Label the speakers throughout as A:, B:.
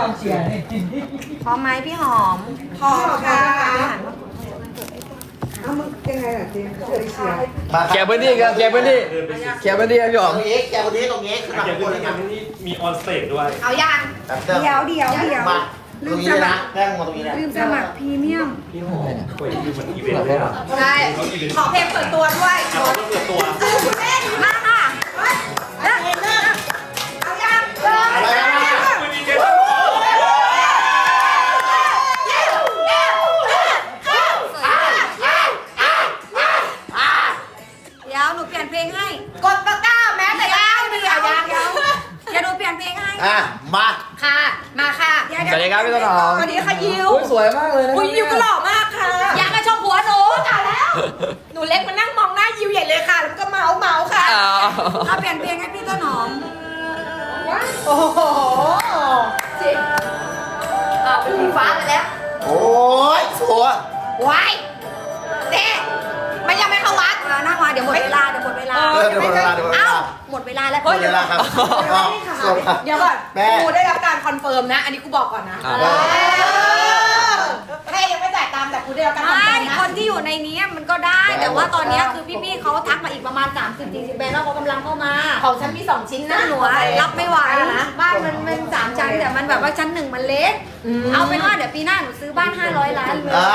A: ความเชียร์นี่
B: พร้อมไหมพี่หอม
C: พอค่ะ
D: เอามึงยังไงล่ะเจ๊เชียร์
E: แกพื้นที่ครับแกพื้นที่แกพื้นที่ครับพี่ห
F: ต
E: อ
F: ร
E: ม
F: งนี้แกคนนี้ตรงนี้ขึ้นมา
G: เดี๋ยว
F: บน
G: นี้
F: เลยครับ
G: นี่มีออนสเตจด้วย
B: เอายัง
D: เดี๋ยว
F: มาตรงนี้เลยนะแป้งมาตรงนี้เลย
D: ลืมสมัครพรีเมียม
G: พี่หอมคุยอยู่เหมือนอีเวนต์เลยอ่ะ
C: ใช่ขอเพลงเปิดตัวด้วย
G: อ่ะเขาเปิดตัว
B: มาค่ะ
C: เอายัง
F: อะไรนะ
G: คุยดีเจทั้งหมด
B: เดี๋ยวหนูเปลี่ยนเพลงให้
C: กดตะกร้าแม้แต่ยังเดียวยัง
B: เดี๋ยวหนูเปลี่ยนเพลงให้
F: อ่ะมา
C: ค่ะ มาค่ะ
E: สวัสดีครับพี่ต้นหอม
C: สวัสดีค่ะยิว
E: อุ้ยสวยมากเลยนะ
C: อุ้ยยิวก็หล่อมากค่ะ อยากมาชมผัวหนูจ่ายแล้ว หนูเล็กมานั่งมองหน้ายิวใหญ่เลยค่ะ แล้วก็เมาค่ะ
E: อ้าว
B: เราเปลี่ยนเพลงให้พี่ต้นหอม
C: โอ้โหจริงเป็นสีฟ้าไปแล้ว
F: โอ้ยสวย
C: ว้ายเด็มันยังไม่เข้าวัด
B: นั่งมาเดี๋ยวหมดเวลาเดี๋ยวหมดเวลา
F: เดี๋ยวเวลาเดี๋ยวเว
B: เอ้า
F: ลา
B: หมดเวลาแล้ว
F: หมดเวลาครับสวัสดีครับ
C: เดี๋ยวก่อน
F: แม่
C: กูได้รับการคอนเฟิร์มนะ อันนี้กูบอกก่อนนะแม่ยังไม่จ่ายตามแต่กูได้รับการคอน
B: ไม่
C: เฟิร์มนะ
B: คนที่อยู่ในนี้มันก็ได้ แต่ว่าตอนนี้คือพี่ๆเขาทักมาอีกประมาณ 30-40 แบรนด์แล้วเขากำลังเข้ามา
C: ของฉันมี2ชิ้น
B: ซึ่
C: นะ
B: งหนูอะรับไม่ไหวบ้านมันเป็น3ชั้นแต่มันแบบว่าชั้น1มันเล็ก เอาเป็นว่าเดี๋ยวปีหน้าหนูซื้อบ้าน500 ล้านเลย
F: อ่า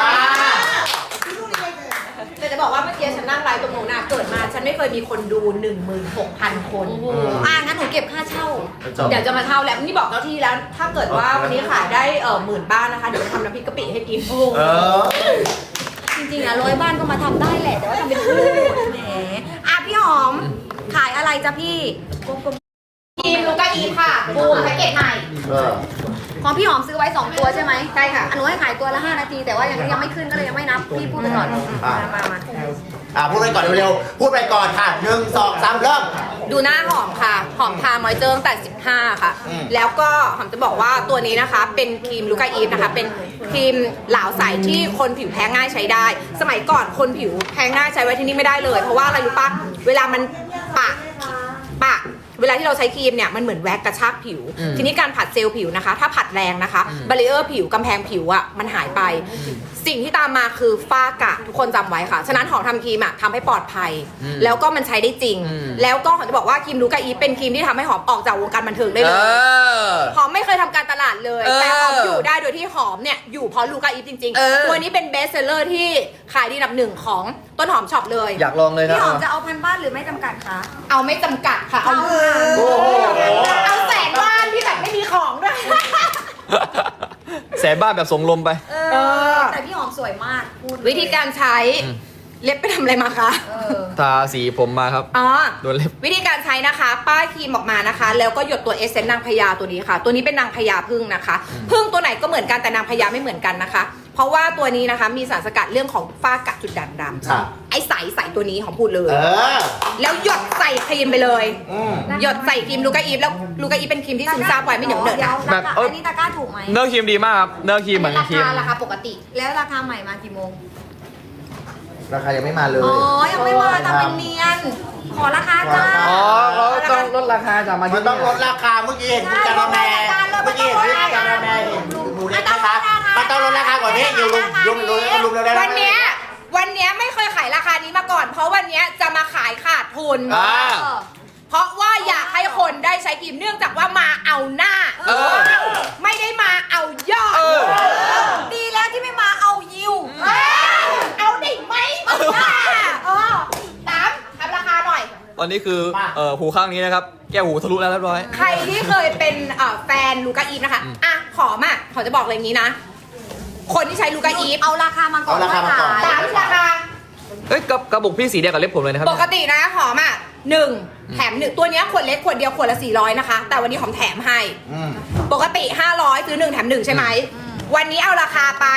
C: แต่จะบอกว่าเมื่อกี้ฉันนั่งไลฟ์ตรงนู้นน่ะเกิดมาฉันไม่เคยมีคนดู 16,000 คน
B: งั้นหนูเก็บค่าเช่า
C: เดี๋ยวจะมาเช่าแล้วนี่บอกเจ้าที่แล้ว ถ้าเกิดว่าวันนี้ขายได้10,000 บ้านนะคะ เดี๋ยวจะทำน้ำพริกกะปิให้กิน
F: เออ
B: จริงๆ100 บ้านก็มาทำได้แหละ แต่ว่าทำเป็นพูดแหมพี่หอม ขายอะไรจ๊ะพี่
C: ทีมลูกาอีค่ะบูมแพ็กเกจใหม่
F: เออ
B: ของพี่หอมซื้อไว้ 2 ตัวใช่ไหม
C: ใช่ค่ะ
B: หนูให้ขายตัวละ 5 นาที แต่ว่ายังไม่ขึ้นก็เลยยังไม่นับ พี่พูดไปก่อน มา
F: พูดไปก่อนเร็วๆพูดไปก่อนค่ะ1 2 3เริ่ม
C: ดูหน้าหอมค่ะ หอมทามอยเจอร์ตั้งแต่ 15 ค่ะ
F: อืม
C: แล้วก็หอมจะบอกว่าตัวนี้นะคะ เป็นครีมลูกาอีฟนะคะ เป็นครีมเหลาใสที่คนผิวแพ้ง่ายใช้ได้ สมัยก่อนคนผิวแพ้ง่ายใช้ไว้ที่นี่ไม่ได้เลย เพราะว่าอะไรรู้ปะเวลามันปะ เวลาที่เราใช้ครีมเนี่ยมันเหมือนแว็กกระชากผิว ทีนี้การผัดเซลล์ผิวนะคะ ถ้าผัดแรงนะคะบาริเออร์ผิวกำแพงผิวอ่ะมันหายไป สิ่งที่ตามมาคือฝ้ากระทุกคนจำไว้ค่ะ ฉะนั้นหอมทำครีมอ่ะทำให้ปลอดภัย แล้วก็มันใช้ได้จริง แล้วก็หอมจะบอกว่าครีมลูกาอีฟเป็นครีมที่ทำให้หอมออกจากวงการบันเทิงได้เลย หอมไม่เคยทำการตลาดเลย แต่หอมอยู่ได้โดยที่หอมเนี่ยอยู่เพราะลูกาอีฟจริงๆ ตัวนี้เป็นเบสเซลเลอร์ที่ขายดีอันดับ 1ของต้นหอมช็อปเลย
E: อยากลองเลยครั
B: พี่
E: บ
B: หอมจะเอาพันบ้านหรือไม่จำกัดคะ
C: เอาไม่จำกัดค่ะ เอา
E: โอ้โห
C: เอาแสนบ้านที่แบบไม่มีของด้วย
E: แสบบ้านแบบสงลมไป
B: แต่พี่หอมสวยมากพูด
C: วิธีการใช้เล็บไปทำอะไรมาคะ
E: ทาสีผมมาครับ
C: อ๋อ
E: โดนเล็บ
C: วิธีการใช้นะคะ ป้ายครีมออกมานะคะ แล้วก็หยดตัวเอเซนต์นางพญาตัวนี้ค่ะ ตัวนี้เป็นนางพญาพึ่งนะคะพึ่งตัวไหนก็เหมือนกันแต่นางพญาไม่เหมือนกันนะคะ เพราะว่าตัวนี้นะคะมีสารสกัดเรื่องของฝ้ากระจุดด่างด
F: ครับ
C: ำไอ้ใสตัวนี้ของพูดเลย
F: เออ
C: แล้วหยดใส่ครีมไปเลย
F: อืม
C: หยดใส่ครีมลูกาอีฟแล้วลูกาอีฟเป็นครีมที่ซึมซาบไวไม่เหนียวเหนอะ
B: เดี๋
C: นะ
B: ยว
E: แบบ
B: อันนี้ตะกร้าถูกไหม
E: เนื้อครีมดีมากครับ เนื้อครีมเหมือน
C: รา
E: ครีม
C: คาราคาปกติ
B: แล้วราคาใหม่มากี่โมง
F: ราคายังไม่มาเลย
B: อ๋อ ยังไม่มาทำเป็นเนียน ขอราคาจ้า
E: อ๋อเขาต้องลดราคาจากมา
F: มั
E: ที่
F: นต้องลดราคาเมื่อกี้เห็นคุณจาราแมเมื่อกี้เห็นคุณจาราแมเห็นหมูเล็กนะคะมันต้องลดราคาก่อนนี้อยู่ลุมเร็วๆ
C: วันเนี้ยไม่เคยขายราคานี้มาก่อน เพราะวันเนี้ยจะมาขายขาดทุน เพราะว่าอยากให้คนได้ใช้ครีมเนื่องจากว่ามาเอาหน้า ไม่ได้มาเอายอด
B: ดีแล้วที่ไม่มาเอายิว
C: เอาได้ไหมมาตามทำราคาหน่อย
E: ตอนนี้คือหูข้างนี้นะครับ แก้วหูทะลุแล้วเรียบร้อย
C: ใครที่เคยเป็นแฟนลูกาอีฟนะคะขอจะบอกเลยอย่างนี้นะ คนที่ใช้ลูกาอีฟ
B: เอาราคามาก่อน
F: เอาราคามาก่อน
C: ตามราคา
E: เอ้ยกระบุกพี่สีเดียวกับเล็บผมเลยนะครับ
C: ปกตินะหอม1แถม1ตัวเนี้ยขวดเล็กขวดเดียวขวดละ400นะคะ แต่วันนี้หอมแถมให้
F: อืม
C: ปกติ500ซื้อ1แถม1ใช่ไหมวันนี้เอาราคาไป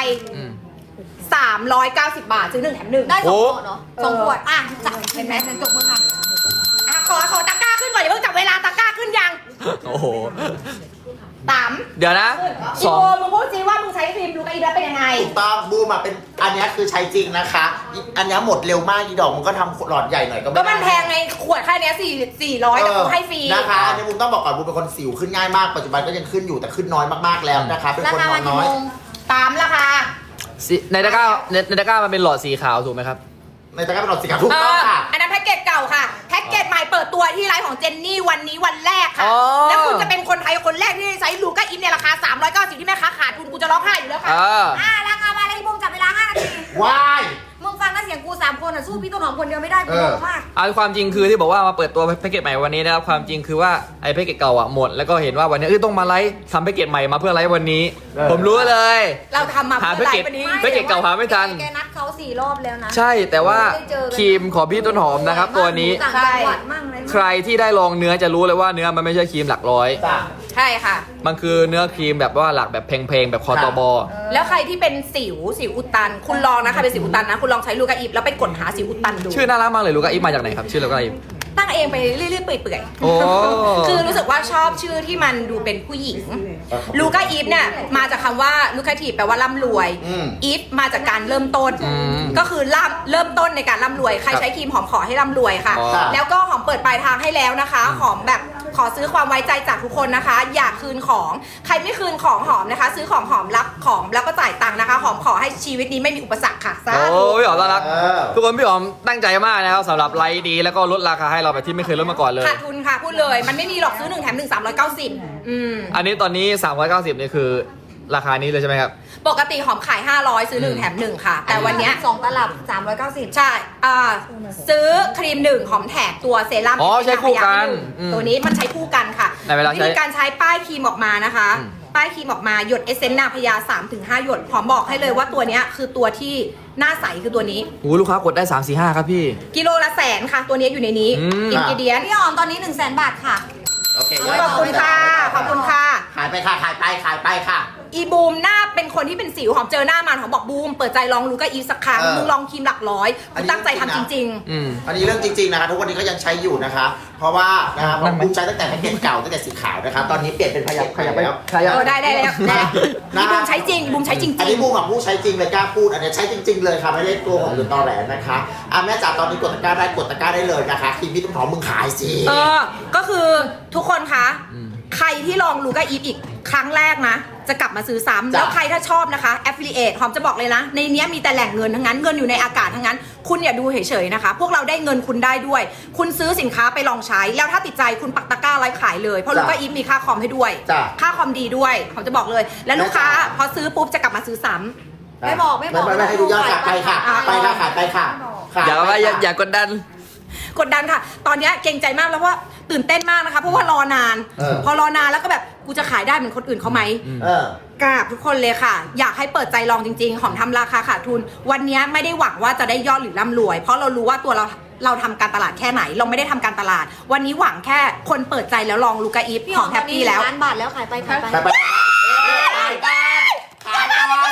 C: 390 บาทซื้อ1แถม1
B: ได้2ขวดเนาะ2ขวดจับเห็นไหมฉันจบมือค่ะ
C: ขอตะกร้าขึ้นก่อนอย่าเพิ่งจับเวลาตะกร้าขึ้นยัง
E: โอ้โห
C: ตาม
E: เดี๋ยวนะ
C: อีโบมึงพูดซิว่ามึงใช้ครีมลูกาอีฟแล้วเป็นยังไง
F: ถูกต้องบูมอ่ะเป็นอันเนี้ยคือใช้จริงนะคะอันเนี้ยหมดเร็วมากอีดอกมันก็ทำหลอดใหญ่หน่อยก็ไม่
C: ก็
F: ได้
C: มันแพงไงขวดแค่เนี้ย400แต่กูให้ฟรี
F: นะคะอันนี้บูมต้องบอกก่อนบูมเป็นคนสิวขึ้นง่ายมากปัจจุบันก็ยังขึ้นอยู่แต่ขึ้นน้อยมากๆแล้วนะคะเป็น
B: รา
F: คน
B: คาน
F: อ
B: มัน น
F: น้อย
B: กี่โมง
C: ตามราคา
E: ในตะกร้าในตะกร้ามันเป็นหลอดสีขาวถูกไหมครับ
F: ในตะกร้าเป็นหลอดสีขาวถูกต้องค่ะ
C: อันนั้นแพ็กเกจเก่าค่ะ แพ็กเกจใหม่เปิดตัวที่ไลฟ์ของเจนนี่วันนี้วันแรกค่ะ
E: อ๋อ
C: แล้วคุณจะเป็นคนไทยคนแรกที่ได้ใช้ลูก้าอินในราคา390ที่แม่ค้าขาดทุนกูจะร้องไห้อยู่แล้วค่ะ
B: ราคามาเลยบุ้มจับเวลา5 นาที
F: ว้าย
B: มึงฟังนะเสียงกู3 คนอ่ะสู้พี่ต้นหอมคนเดียวไม่ได้กูงงมาก
E: ความจริงคือที่บอกว่ามาเปิดตัวแพ็กเกจใหม่วันนี้นะครับความจริงคือว่าไอ้แพ็กเกจเก่าอ่ะหมดแล้วก็เห็นว่าวันนี้ต้องมาไลฟ์ทำแพ็กเกจใหม่มาเพื่อไลฟ์วันนี้ ผมรู้เลย
C: เราทำมา
E: หา
C: เพื่อไล
E: แพ็กเกจ
C: ฟ์วันนี้
E: แพ็กเกจเก่าหาไม่ทัน
B: แกนัดเขา4 รอบแล้วนะ
E: ใช่แต่ว่า
B: ไม่ได้เจอกัน
E: ครีมของพี่ต้นหอมนะครับตัวนี้
B: ต่างจังหวัดมั่งอะไร
E: ใครที่ได้ลองเนื้อจะรู้เลยว่าเนื้อมันไม่ใช่ครีมหลักร้อย
F: จ้ะ
C: ใช่ค่ะ
E: มันคือเนื้อครีมแบบว่าหลักแบบเพลงๆแบบคอตบ
C: แล้วใครที่เป็นสิวอุดตัน คุณลองนะใครเป็นสิวอุดตันนะคุณลองใช้ลูก้าอิฟแล้วไปกดหาสิวอุดตันดู
E: ชื่อน่ารักมากเลยลูกาอีฟมาจากไหนครับชื่อลูกาอีฟ
C: ตั้งเองไปเรื่อยๆเปื่อย
E: โอ้
C: คือรู้สึกว่าชอบชื่อที่มันดูเป็นผู้หญิงลูก้าอีฟเนี่ยมาจากคำว่าลูคาทีฟแปลว่าร่ำรวยอีฟมาจากการเริ่มต้น ก็คือเริ่มต้นในการร่ำรวยใครใช้ครีมหอมขอให้ร่ำรวยค่ะ แล้วก็หอมเปิดปลายทางให้แล้วนะคะหอมแบบขอซื้อความไว้ใจจากทุกคนนะคะ อยากคืนของใครไม่คืนของหอมนะคะ ซื้อของหอมรับของแล้วก็จ่ายตังค์นะคะหอมขอให้ชีวิตนี้ไม่มีอุปสรรคค่ะสา
E: โอ้
C: ธุ
E: พี่หอมน่ารัก
F: เออ
E: ทุกคนพี่หอมตั้งใจมากนะครับสำหรับไลฟ์ดีแล้วก็ลดราคาให้เราแบบที่ไม่เคยลดมาก่อนเลย
C: ขาดทุนค่ะพูดเลยมันไม่มีหรอกซื้อ1 แถม 1 390
E: อันนี้ตอนนี้ 390นี่คือราคานี้เลยใช่ไหมครับ
C: ปกติหอมขาย500ซื้อ1 แถม 1ค่ะแต่วันเนี้ย
B: 2 ตลับ390
C: ใช่ซื้อครีม1หอมแถมตัวเซรั่ม
E: อ๋อใช้คู่กัน
C: ตัวนี้มันใช้คู่กันค่ะ
E: ในเวลาใช้
C: วิธีการใช้ป้ายครีมออกมานะคะ ป้ายครีมออกมาหยดเอเซนต์นาพยา 3-5 หยดหอมบอกให้เลยว่าตัวเนี้ยคือตัวที่หน้าใสคือตัวนี้
E: โอ้ลูกค้ากดได้ 3-4-5 ครับพี่
C: กิโลละ100,000ค่ะตัวนี้อยู่ในนี้ อินกิเดียน
B: พี่หอมตอนนี้100,000 บาทค่ะ
F: โอเค
C: ขอบคุณค่ะขอบคุณค่ะ
F: ขายไปค่ะขายไปค่ะ
C: อีบูมหน้าเป็นคนที่เป็นสิวหอมเจอหน้ามันหอมบอกบูมเปิดใจลองลูก้าอีฟสักครั้ง
F: เออ
C: มึงลองครีมหลักร้อย
F: อัน
C: กู
F: นี้
C: ตั้งใจทำจริง
F: อันนี้เรื่องจริงๆนะคะทุกวันนี้ก็ยังใช้อยู่นะคะ เพราะว่านะคะผมบูมใช้ตั้งแต่แพ็กเกจเก่าตั้งแต่สีขาวนะคะตอนนี้เปลี่ยนเป็นพยับแล้ว
C: ๆได้แล้วอีบูมใช้จริงบูมใช้จริง
F: อันนี้บูมกับผู้ใช้จริงเลยกล้าพูดอันนี้ใช้จริง ๆเลยค่ะไม่ได้ตัวของหรือตอแหลนะคะแม่จ๋าตอนนี้กดตะกร้าได้เลยนะคะครีมพี่ต้นหอมมึงขายสิ
C: ก็คือทุกคนคะ ใครที่ลองลูก้าอีฟอีกครั้งแรกนะ จะกลับมาซื้อซ้ำแล้วใครถ้าชอบนะคะ affiliate หอมจะบอกเลยนะ ในเนี้ยมีแต่แหล่งเงินทั้งนั้นเงินอยู่ในอากาศทั้งนั้น คุณอย่าดูเฉยๆนะคะ พวกเราได้เงินคุณได้ด้วย คุณซื้อสินค้าไปลองใช้ แล้วถ้าติดใจคุณปักตะกร้าไลฟ์ขายเลยเพราะลูก้าอีฟมีค่าคอมให้ด้วย ค่าคอมดีด้วยหอมจะบอกเลย และลูกค้าพอซื้อปุ๊บจะกลับมาซื้อซ้ำ
B: ไม่บอก
F: ไม่ให้ดูยอดค่ะไปค่ะไปค่ะขายไปค่ะ
E: อย่ากดดัน
C: กดดันค่ะ ตอนเนี้ยเกรงใจมากแล้วเพราะว่าตื่นเต้นมากนะคะ เพราะว่ารอนาน พอรอนานแล้วก็แบบกูจะขายได้เหมือนคนอื่นเขาไหมกราบทุกคนเลยค่ะ อยากให้เปิดใจลองจริงๆ หอมทำราคาขาดทุน วันนี้ไม่ได้หวังว่าจะได้ยอดหรือร่ำรวย เพราะเรารู้ว่าตัวเราทำการตลาดแค่ไหน เราไม่ได้ทำการตลาด วันนี้หวังแค่คนเปิดใจแล้วลองลูก้าอีฟ
B: พี่
C: ห
B: ห
C: อ
B: อ
C: ม
B: ม
C: แฮปปี้แล้ว
B: ล้านบาทแล้วขายไป
F: ขายไปขายก่อน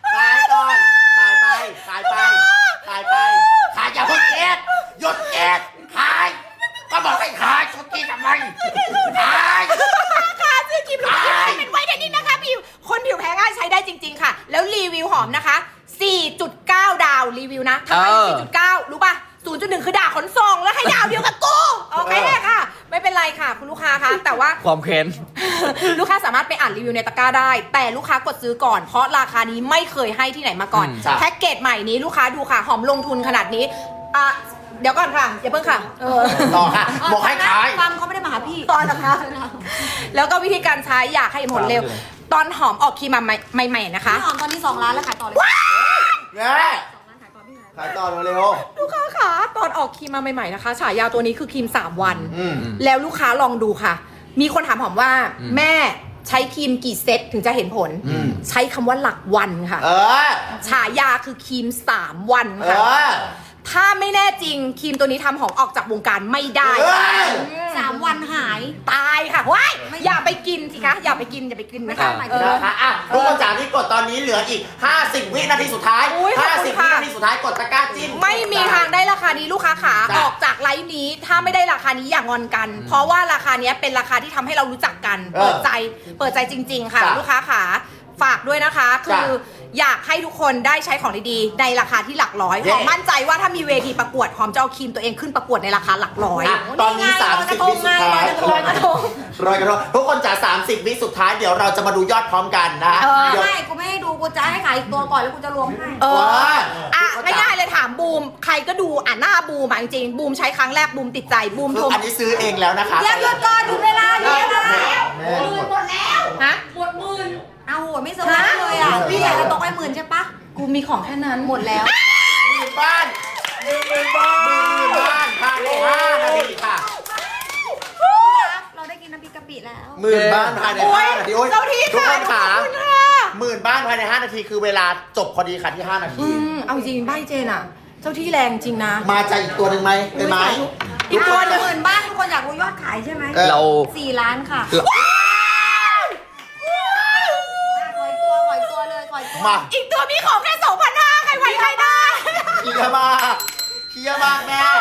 F: ขายอย่าเพิ่งเก็บหยุดเก็บขายก็บอกให้ขายชุดนี้ทำไมขาย
C: ค่ะซื้อครีมลูก้าอีฟเป็นไวท์เทนนิ่งนะคะผิวคนผิวแพ้ง่ายใช้ได้จริง ๆ ค่ะ แล้วรีวิวหอมนะคะ 4.9 ดาวรีวิวนะทำไม 4.9 รู้ป่ะ 0.1 คือด่าขนส่งแล้วให้ดาวเดียวกับกูโอเคค่ะ ไม่เป็นไรค่ะคุณลูกค้าคะแต่ว่า
E: ความเค้น
C: ลูกค้าสามารถไปอ่านรีวิวในตะกร้าได้ แต่ลูกค้ากดซื้อก่อนเพราะราคานี้ไม่เคยให้ที่ไหนมาก่อน แพ็กเกจใหม่นี้ลูกค้าดูค่ะ หอมลงทุนขนาดนี้เดี๋ยวก่อนค่ะอย่าเพิ่งค่ะ
F: ต่อค่ะบอกให้ขาย
B: ฟังเขาไม่ได้มาหาพี่
C: ตอนนะคะแล้วก็วิธีการใช้อยากให้หมดเร็ว ตอนหอมออกครีมมาใหม่ๆนะคะ
B: พี่หอมตอนนี้2 ล้านแล้วขายต่อเลย
F: เนี่ยขายต่อเร็ว
C: ลูกค้าค่ะตอนออกครีมมาใหม่ๆนะคะฉายาตัวนี้คือครีม3 วัน แล้วลูกค้าลองดูค่ะ มีคนถามหอมว่าแม่ใช้ครีมกี่เซตถึงจะเห็นผล ใช้คำว่าหลักวันค่ะฉายาคือครีม3 วันค่ะถ้าไม่ไม่แน่จริงครีมตัวนี้ทำหอมออกจากวงการไม่ได้
F: เฮ้ย
B: 3 วันหาย
C: ตายค่ะว้ายอย่าไปกินสิคะอย่าไปกินนะคะ
F: นะคะอ่ะทุกคนจ๋าที่กดตอนนี้เหลืออีก 50 วินาทีสุดท้าย
C: อุ๊ยขอบคุณ
F: 50
C: ค่ะ
F: วินาทีสุดท้ายกดตะกร้าจิ้ม
C: ไม่มีทางได้ราคานี้ลูกค้าขา
F: จ้ะ
C: ออกจากไลฟ์นี้ถ้าไม่ได้ราคานี้อย่างอนกัน เพราะว่าราคานี้เป็นราคาที่ทำให้เรารู้จักกัน เปิดใจจริง ๆ ค่ะ
F: จ้ะ
C: ลูกค้าขาฝากด้วยนะคะ คือ
F: จ้ะ
C: อยากให้ทุกคนได้ใช้ของดีๆในราคาที่หลักร้อย
F: เย้
C: หอมมั่นใจว่าถ้ามีเวทีประกวดหอมจะเอาครีมตัวเองขึ้นประกวดในราคาหลักร้อย
F: อ่ะตอนนี้ 30 วิสุดท้าย
C: ลอยกระทง
F: รอยกระทงทุกคนจ๋า30 วิสุดท้ายเดี๋ยวเราจะมาดูยอดพร้อมกันนะ
C: เออ
F: เดี๋ยว
B: ไม่กูไม่ให้ดูกูจะให้ขายอีกตัวก่อนแล้วกูจะรวมให้
C: เออ
F: ว้า
C: อ่ะง่ายๆเลยถามบูมใครก็ดูหน้าบูมจริงๆบูมใช้ครั้งแรกบูมติดใจบูม
F: คื
C: ช
F: อ
C: ม
F: อันนี้ซื้อเองแล้วนะคะ
B: เดี๋ยวหยุดก่อนหยุดเวลาหยุดเวลา
F: แม่
B: หมดแล้ว
C: ฮะ
B: หมดหมื่นเอาโหไม่เซอร์ไพรส์เลยอ่ะพี่อยากจะตกไป10,000ใช่ปะ
C: กูมีของแค่นั้น
B: หมดแล้ว
F: 10,000 บ้าน10,000 บ้านภายใน5นาทีค่ะ
B: เราได้กินน้ำพริกกะปิแล้ว
F: 10,000 บ้านภายใน5นาทีโอ้ย
C: เจ้าที่
F: ทุก
C: ค่ะ
F: คนขา
C: ขอบคุณค่ะ
F: 10,000 บ้านภายใน5นาทีคือเวลาจบพอดีค่ะที่5นาที
C: เอาจริงใบเจนอ่ะ เจ้าที่แรงจริงนะ
F: มาจากอีกตัวหนึ่งไหมเป็นไหม
C: อีกตัวหนึ่ง
B: 10,000 บ้านทุกคนอยากรู้ยอดขายใช่ไหม
F: เออ
E: เรา
B: 4 ล้านค่ะ ขอยตัวเลยขอยตัว
F: มา
C: อีกตัวมีของแค่ 2,500 ใครไหวใครได้
F: เฮียมากแม่